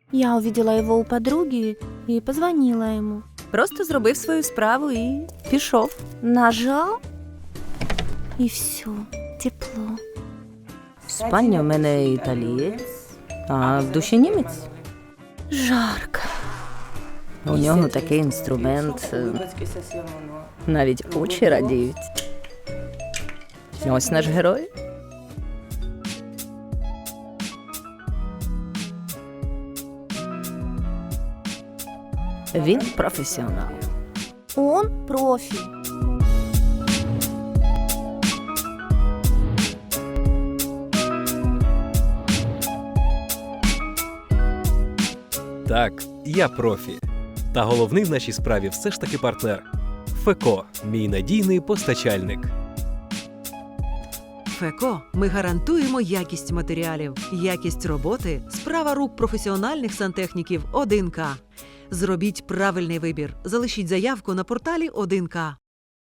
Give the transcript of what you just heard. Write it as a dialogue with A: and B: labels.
A: Я увидела его у подруги и позвонила ему.
B: Просто зробив свою справу і пішов.
A: Нажал, и все, тепло.
B: Спальня в мене італієць, а в душі німець.
A: Жарко.
B: У нього такий інструмент, навіть очі радіють. Ось наш герой. Він професіонал.
A: Он профи.
C: Так, я профі. Та головний в нашій справі все ж таки партнер. ФЕКО – мій надійний постачальник.
D: ФЕКО. Ми гарантуємо якість матеріалів, якість роботи, справа рук професіональних сантехніків 1К. Зробіть правильний вибір. Залишіть заявку на порталі 1К.